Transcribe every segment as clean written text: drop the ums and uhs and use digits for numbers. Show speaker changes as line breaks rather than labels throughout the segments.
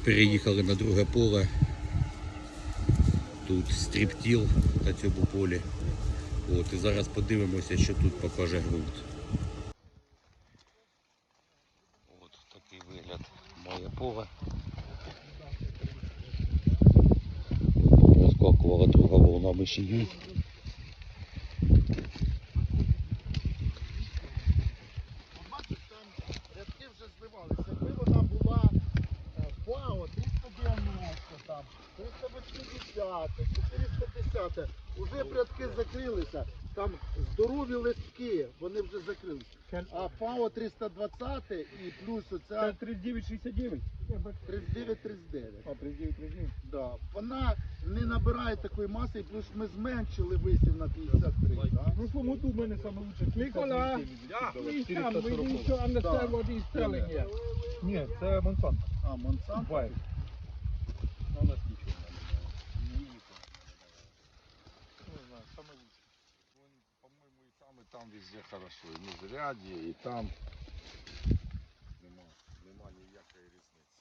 Переїхали на друге поле. Тут стріптіл на цьому полі. От, і зараз подивимося, що тут покаже ґрунт. От такий вигляд має поле. Розкакувала друга волна мишію.
Рядки вже зливалися. Якби вона була ПАО 390, там, 380, 410, уже б рядки закрилися. Там здорові листки, вони вже закрилися. А ПАО 320 і плюс оця
3969.
39-39.
А, 3939.
Да. Вона не набирає такої маси, і плюс ми зменшили висів на 53. Да?
В прошлом году в мене саме лучше. Nicola, please come, we need to understand what he's telling you. Ні, це Монсанто.
А, Монсанто?
Байер.
У нас нічого не знаю, саме лучше. По-моєму, і там везде хорошо. І в Міжряді, і там нема ніякої різниці.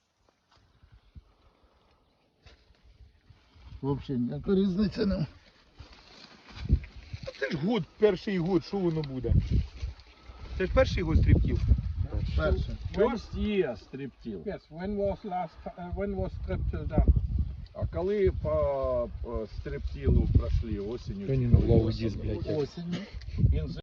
Взагалі, ніяка різниця не.
Це ж год, перший год, що воно буде? Це ж перший год стрибків.
Перше.
First year стріптіл.
Yes, when was strip done?
А коли по стріптілу пройшли осінню?
Лоу диск, блядь.
Осінню.
Він